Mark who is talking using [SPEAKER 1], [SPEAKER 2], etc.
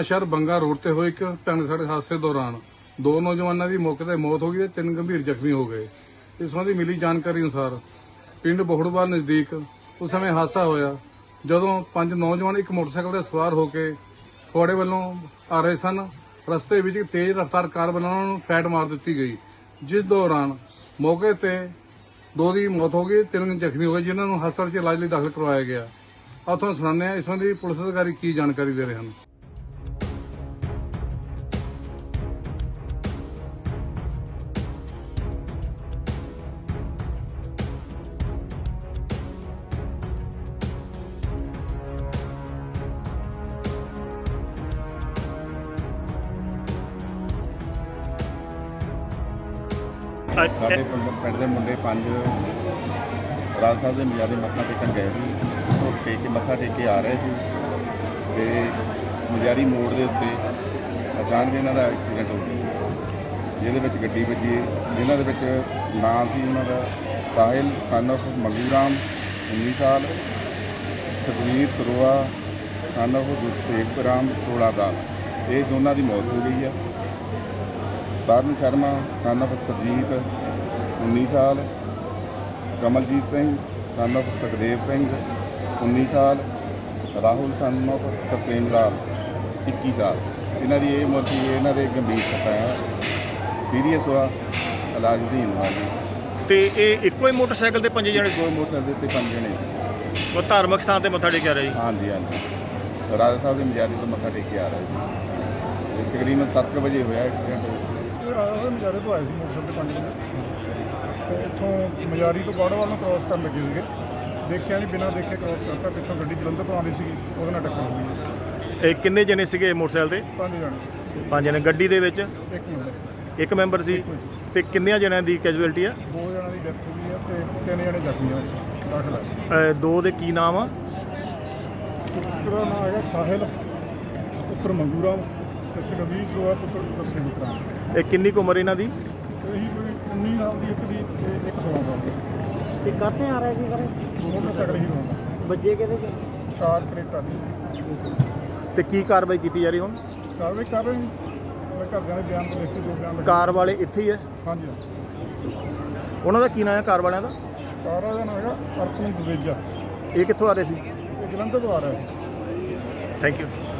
[SPEAKER 1] Nawanshahr Banga road ਤੇ ਹੋਏ ਇੱਕ ਭਿਆਨਕ ਸੜਕ ਹਾਦਸੇ ਦੌਰਾਨ ਦੋ ਨੌਜਵਾਨਾਂ ਦੀ ਮੌਕੇ ਤੇ ਮੌਤ ਹੋ ਗਈ ਤੇ ਤਿੰਨ ਗੰਭੀਰ ਜ਼ਖਮੀ ਹੋ ਗਏ। ਇਸ ਸੰਬੰਧੀ ਮਿਲੀ ਜਾਣਕਾਰੀ ਅਨੁਸਾਰ ਪਿੰਡ ਬੋਹੜਵਾਲ ਨਜ਼ਦੀਕ ਉਸ ਸਮੇਂ ਹਾਦਸਾ ਹੋਇਆ ਜਦੋਂ ਪੰਜ ਨੌਜਵਾਨ ਇੱਕ ਮੋਟਰਸਾਈਕਲ ਤੇ ਸਵਾਰ ਹੋ ਕੇ ਫਗਵਾੜੇ ਵੱਲੋਂ ਆ ਰਹੇ ਸਨ। ਰਸਤੇ ਵਿੱਚ ਇੱਕ ਤੇਜ਼ ਰਫ਼ਤਾਰ ਕਾਰ ਵੱਲੋਂ ਉਹਨਾਂ ਨੂੰ ਫੈਟ ਮਾਰ ਦਿੱਤੀ ਗਈ, ਜਿਸ ਦੌਰਾਨ ਮੌਕੇ ਤੇ ਦੋ ਦੀ ਮੌਤ ਹੋ ਗਈ, ਤਿੰਨ ਜ਼ਖਮੀ ਹੋ ਗਏ ਜਿਨ੍ਹਾਂ ਨੂੰ ਹਸਪਤਾਲ 'ਚ ਇਲਾਜ ਲਈ ਦਾਖਲ ਕਰਵਾਇਆ ਗਿਆ। ਆਓ ਤੁਹਾਨੂੰ ਸੁਣਾਉਂਦੇ ਹਾਂ ਇਸ ਸੰਬੰਧੀ ਪੁਲਿਸ ਅਧਿਕਾਰੀ ਕੀ ਜਾਣਕਾਰੀ ਦੇ ਰਹੇ ਹਨ।
[SPEAKER 2] ਸਾਡੇ ਪਿੰਡ ਦੇ ਮੁੰਡੇ ਪੰਜ ਰਾਜ ਸਾਹਿਬ ਦੇ ਮਜਾਰੇ ਮੱਥਾ ਟੇਕਣ ਗਏ ਸੀ। ਉਹ ਮੱਥਾ ਟੇਕ ਕੇ ਆ ਰਹੇ ਸੀ ਤੇ ਮਜਾਰੀ ਮੋੜ ਦੇ ਉੱਤੇ ਅਚਾਨਕ ਇਹਨਾਂ ਦਾ ਐਕਸੀਡੈਂਟ ਹੋ ਗਿਆ, ਜਿਹਦੇ ਵਿੱਚ ਗੱਡੀ ਵੱਜੀ। ਜਿਨ੍ਹਾਂ ਦੇ ਵਿੱਚ ਨਾਮ ਸੀ ਉਹਨਾਂ ਦਾ ਸਾਹਿਲ ਸਨ ਆਫ ਮੰਗੂ ਰਾਮ 19 ਸਾਲ, ਸੁਖਵੀਰ ਸਰੋਆ ਸਨ ਆਫ ਗੁਰਸੇਵਕ ਰਾਮ 16 ਸਾਲ। ਇਹ ਦੋਨਾਂ ਦੀ ਮੌਤ ਹੋ ਗਈ ਆ। ਤਰਨ ਸ਼ਰਮਾ ਸਨ ਆਫ ਸਰਜੀਤ 19 ਸਾਲ, ਕਮਲਜੀਤ ਸਿੰਘ ਸਨ ਆਫ ਸੁਖਦੇਵ ਸਿੰਘ 19 ਸਾਲ, ਰਾਹੁਲ ਸਨ ਆਫ ਤਰਸੇਮ ਲਾਲ 21 ਸਾਲ। ਇਹਨਾਂ ਦੀ ਇਹ ਉਮਰ ਸੀ। ਇਹਨਾਂ ਦੇ ਗੰਭੀਰ ਸੱਟਾਂ ਆ, ਸੀਰੀਅਸ ਹੋਆ, ਇਲਾਜ ਅਧੀਨ ਆ ਜੀ।
[SPEAKER 3] ਤੇ ਇਹ ਇੱਕੋ ਹੀ ਮੋਟਰਸਾਈਕਲ ਤੇ ਪੰਜ ਜਣੇ?
[SPEAKER 2] ਕੋਈ ਮੋਟਰਸਾਈਕਲ ਤੇ ਪੰਜ ਜਣੇ ਸੀ।
[SPEAKER 3] ਉਹ ਧਾਰਮਿਕ ਸਥਾਨ ਤੇ ਮੱਥਾ ਟੇਕਿਆ ਰਿਹਾ ਜੀ?
[SPEAKER 2] ਹਾਂਜੀ ਹਾਂਜੀ, ਰਾਜਾ ਸਾਹਿਬ ਦੇ ਮਜਾਰੀ ਤੋਂ ਮੱਥਾ ਟੇਕ ਕੇ ਆ ਰਹੇ ਸੀ। ਤਕਰੀਬਨ 7 ਵਜੇ ਹੋਇਆ ਐਕਸੀਡੈਂਟ।
[SPEAKER 4] ਮਜਾਰੇ ਤੋਂ ਆਏ ਸੀ ਮੋਟਰਸਾਈਕਲ ਤੇ 5 ਵਜੇ ਤੇ ਇੱਥੋਂ ਮਜਾਰੀ ਤੋਂ ਬਾੜਵਾਲ ਨੂੰ ਕ੍ਰੋਸ ਕਰਨ ਲੱਗੇ ਸੀਗੇ। ਦੇਖਿਆ ਨਹੀਂ, ਬਿਨਾਂ ਦੇਖੇ ਕ੍ਰੋਸ ਕਰਤਾ। ਪਿੱਛੋਂ ਗੱਡੀ ਜਲੰਧਰ ਤੋਂ ਆਉਂਦੀ ਸੀਗੀ, ਉਹਦੇ ਨਾਲ ਟੱਕਰ ਹੋ ਗਈ।
[SPEAKER 3] ਇਹ ਕਿੰਨੇ ਜਣੇ ਸੀਗੇ ਮੋਟਰਸਾਈਕਲ ਤੇ?
[SPEAKER 4] 5 ਜਣੇ।
[SPEAKER 3] 5 ਜਣੇ। ਗੱਡੀ ਦੇ ਵਿੱਚ
[SPEAKER 4] ਇੱਕ
[SPEAKER 3] ਮੈਂਬਰ ਸੀ। ਤੇ ਕਿੰਨਿਆਂ ਜਣਿਆਂ ਦੀ ਕੈਜੂਅਲਟੀ ਆ?
[SPEAKER 4] 2 ਜਣਾਂ ਦੀ ਡੈਥ ਹੋ ਗਈ ਆ ਤੇ 3 ਜਣੇ ਜ਼ਖਮੀ ਆ, ਦਾਖਲ ਆ।
[SPEAKER 3] ਦੋ ਦੇ ਕੀ ਨਾਮ ਆ?
[SPEAKER 4] ਇੱਕ ਦਾ ਨਾਮ ਹੈਗਾ ਸਾਹਿਲ ਪੁੱਤਰ ਮੰਗੂ ਰਾਮ ਤੇ ਸੁਖਵੀਰ ਸਰੋਆ ਪੁੱਤਰ ਗੁਰਸੇਵਕ ਰਾਮ।
[SPEAKER 3] ਇਹ ਕਿੰਨੀ ਕੁ ਉਮਰ ਇਹਨਾਂ ਦੀ?
[SPEAKER 4] ਇਹੀ ਕੋਈ 19 ਸਾਲ ਦੀ, ਇੱਕ ਦੀ ਤੇ ਇੱਕ 16 ਸਾਲ ਦੀ।
[SPEAKER 5] ਇਹ ਕਾਹਤੇ ਆ ਰਹੇ ਸੀ ਸਰ?
[SPEAKER 4] ਮੋਟਰਸਾਈਕਲ ਹੀ ਰੋਂਦਾ,
[SPEAKER 5] ਵੱਜੇ ਕਿਹਦੇ ਚ?
[SPEAKER 4] ਕਾਰ ਕਰੇਟਾ ਦੀ।
[SPEAKER 3] ਤੇ ਕੀ ਕਾਰਵਾਈ ਕੀਤੀ ਜਾ ਰਹੀ ਹੁਣ?
[SPEAKER 4] ਕਾਰਵਾਈ ਕਰ ਰਹੇ ਨੇ, ਮੈਂ ਘਰਦਿਆਂ ਦੇ ਬਿਆਨ ਤੋਂ ਲਿਖ ਕੇ ਜੋ ਬਿਆਨ
[SPEAKER 3] ਕਾਰ ਵਾਲੇ ਇੱਥੇ ਹੀ ਹੈ?
[SPEAKER 4] ਹਾਂਜੀ।
[SPEAKER 3] ਉਹਨਾਂ ਦਾ ਕੀ ਨਾਮ ਹੈ ਕਾਰ ਵਾਲਿਆਂ ਦਾ?
[SPEAKER 4] ਕਾਰ ਦਾ ਨਾਮ ਹੈਗਾ ਅਰਪਨ ਦੁਵੇਜਾ।
[SPEAKER 3] ਇਹ ਕਿੱਥੋਂ ਆ ਰਹੇ ਸੀ?
[SPEAKER 4] ਇਹ ਜਲੰਧਰ ਤੋਂ ਆ ਰਿਹਾ ਸੀ।
[SPEAKER 3] Thank you.